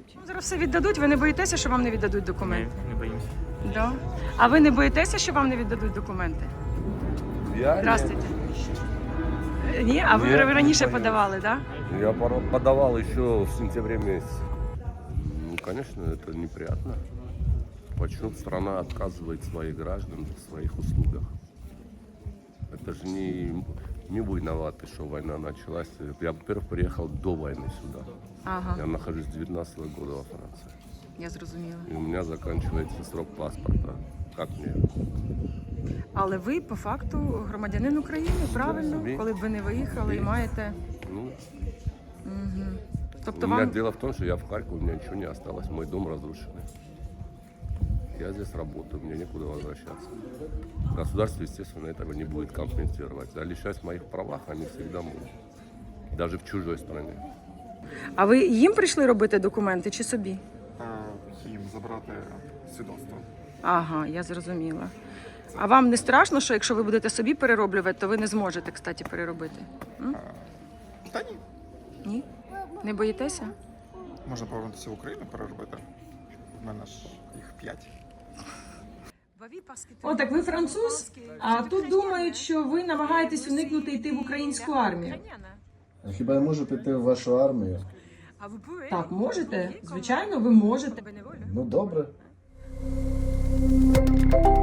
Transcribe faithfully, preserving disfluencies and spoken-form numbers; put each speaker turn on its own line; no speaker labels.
віддадуть.
Ну, зараз все віддадуть, ви не боїтеся, що вам не віддадуть документи?
Не, не боимся.
Да. А ви не боїтеся, що вам не віддадуть документи?
Я
Здравствуйте. Ні? А ви
Ні,
ви раніше
не боюсь.
подавали, так? Да?
Я пора- подавал еще в сентябре месяце. Ну, конечно, это неприятно. Почему страна отказывает своих граждан в своих услугах? Это же не, не вы виноваты, что война началась. Я, во-первых, приехал до войны сюда.
Ага,
Я нахожусь с девятнадцатого года во Франции.
я зрозуміла.
И у меня заканчивается срок паспорта. Как мне?
Але ви по факту громадянин України, правильно?
собі.
Коли б ви не виїхали і
Собі.
маєте.
Ну,
Угу. Тобто
у меня
вам.
дело в том, что я в Харькове, у меня ничего не осталось. Мой дом разрушенный. Я здесь работаю, мне некуда возвращаться. Государство, естественно, этого не будет компенсировать. А лишать в моих правах они всегда могут. Даже в чужой стране.
А ви їм прийшли робити документи чи собі?
Їм забрати свідоцтво.
Ага, я зрозуміла. А вам не страшно, що якщо ви будете собі перероблювати, то ви не зможете, кстати, переробити? М?
Та ні.
Ні? Не боїтеся?
Можна повернутися в Україну, переробити. У мене ж їх п'ять.
О, так ви француз? А тут думають, що ви намагаєтесь уникнути йти в українську армію.
А хіба я можу піти в вашу армію?
Так, можете? Звичайно, ви можете.
Ну добре.